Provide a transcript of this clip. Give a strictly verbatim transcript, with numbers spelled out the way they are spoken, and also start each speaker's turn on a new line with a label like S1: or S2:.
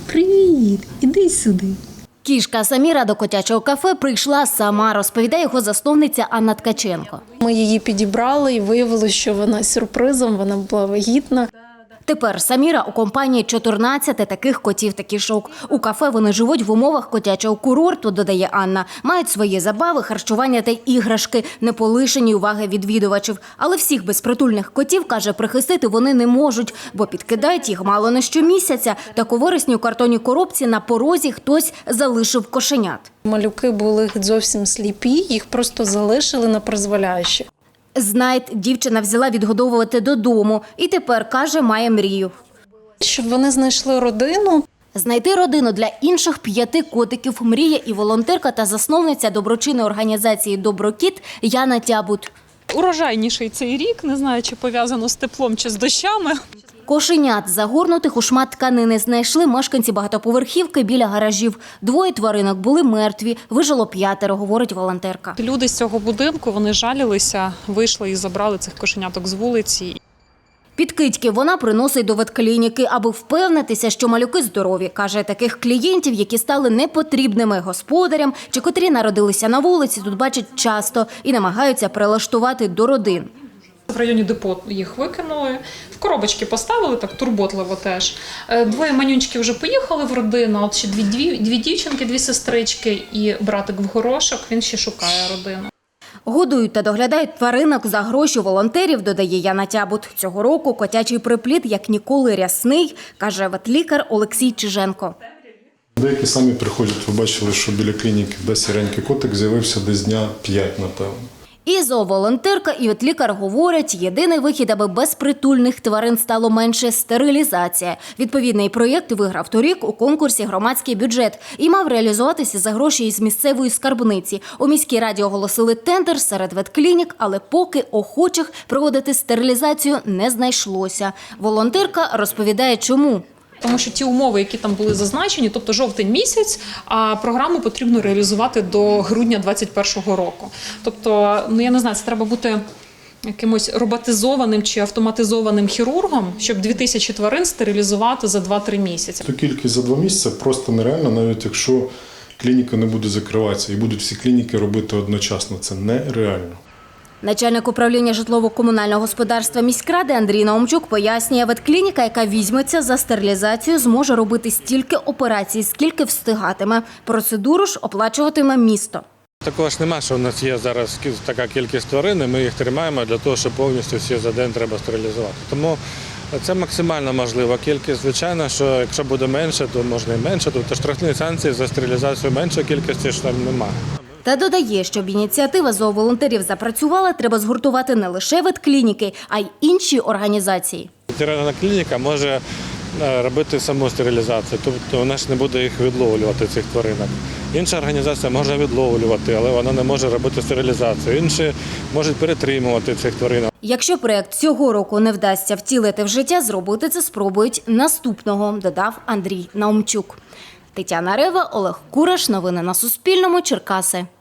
S1: Привіт, іди сюди.
S2: Кішка Саміра до котячого кафе прийшла сама, розповідає його засновниця Анна Ткаченко.
S1: Ми її підібрали і виявилося, що вона сюрпризом, вона була вагітна.
S2: Тепер Саміра у компанії чотирнадцяти таких котів та кішок. У кафе вони живуть в умовах котячого курорту, додає Анна. Мають свої забави, харчування та іграшки, не полишені уваги відвідувачів. Але всіх безпритульних котів, каже, прихистити вони не можуть, бо підкидають їх мало не щомісяця. Так у вересні у картонній коробці на порозі хтось залишив кошенят.
S1: Малюки були зовсім сліпі, їх просто залишили на призволяще.
S2: Знайд дівчина взяла відгодовувати додому і тепер, каже, має мрію.
S1: Щоб вони знайшли родину.
S2: Знайти родину для інших п'яти котиків мріє і волонтерка та засновниця доброчинної організації «Доброкіт» Яна Тябут.
S3: Урожайніший цей рік, не знаю, чи пов'язано з теплом, чи з дощами.
S2: Кошенят, загорнутих у шмат тканини, знайшли мешканці багатоповерхівки біля гаражів. Двоє тваринок були мертві, вижило п'ятеро, говорить волонтерка.
S3: Люди з цього будинку, вони жалілися, вийшли і забрали цих кошеняток з вулиці.
S2: Підкидьки вона приносить до ветклініки, аби впевнитися, що малюки здорові. Каже, таких клієнтів, які стали непотрібними господарям чи котрі народилися на вулиці, тут бачать часто і намагаються прилаштувати до родин.
S3: В районі депо їх викинули, в коробочки поставили, так турботливо теж. Двоє манюнчиків вже поїхали в родину, от ще дві, дві, дві дівчинки, дві сестрички і братик в горошок, він ще шукає родину.
S2: Годують та доглядають тваринок за гроші волонтерів, додає Яна Тябут. Цього року котячий приплід як ніколи рясний, каже ветлікар Олексій Чиженко.
S4: Деякі самі приходять, ви бачили, що біля клініки де сіренький котик з'явився десь дня п'ять, напевно.
S2: І зооволонтерка, і ветлікар говорять, єдиний вихід, аби безпритульних тварин стало менше – стерилізація. Відповідний проєкт виграв торік у конкурсі «Громадський бюджет» і мав реалізуватися за гроші із місцевої скарбниці. У міській раді оголосили тендер серед ветклінік, але поки охочих проводити стерилізацію не знайшлося. Волонтерка розповідає, чому.
S3: Тому що ті умови, які там були зазначені, тобто жовтень місяць, а програму потрібно реалізувати до грудня двадцять першого року. Тобто, ну я не знаю, це треба бути якимось роботизованим чи автоматизованим хірургом, щоб дві тисячі тварин стерилізувати за два-три місяці.
S4: Ту кількість за два місяці просто нереально, навіть якщо клініка не буде закриватися і будуть всі клініки робити одночасно. Це нереально.
S2: Начальник управління житлово-комунального господарства міськради Андрій Наумчук пояснює, ветклініка, яка візьметься за стерилізацію, зможе робити стільки операцій, скільки встигатиме. Процедуру ж оплачуватиме місто.
S5: Такого ж нема, що в нас є зараз така кількість тварин, і ми їх тримаємо для того, щоб повністю всі за день треба стерилізувати. Тому це максимально можлива кількість. Звичайно, що якщо буде менше, то можна і менше. Тобто штрафні санкції за стерилізацію меншої кількості ж там немає.
S2: Та додає, щоб ініціатива зооволонтерів запрацювала, треба згуртувати не лише ветклініки, а й інші організації.
S5: Ветеринарна клініка може робити саму стерилізацію, тобто вона ж не буде їх відловлювати, цих тваринок. Інша організація може відловлювати, але вона не може робити стерилізацію. Інші можуть перетримувати цих тварин.
S2: Якщо проєкт цього року не вдасться втілити в життя, зробити це спробують наступного, додав Андрій Наумчук. Тетяна Рева, Олег Кураш. Новини на Суспільному. Черкаси.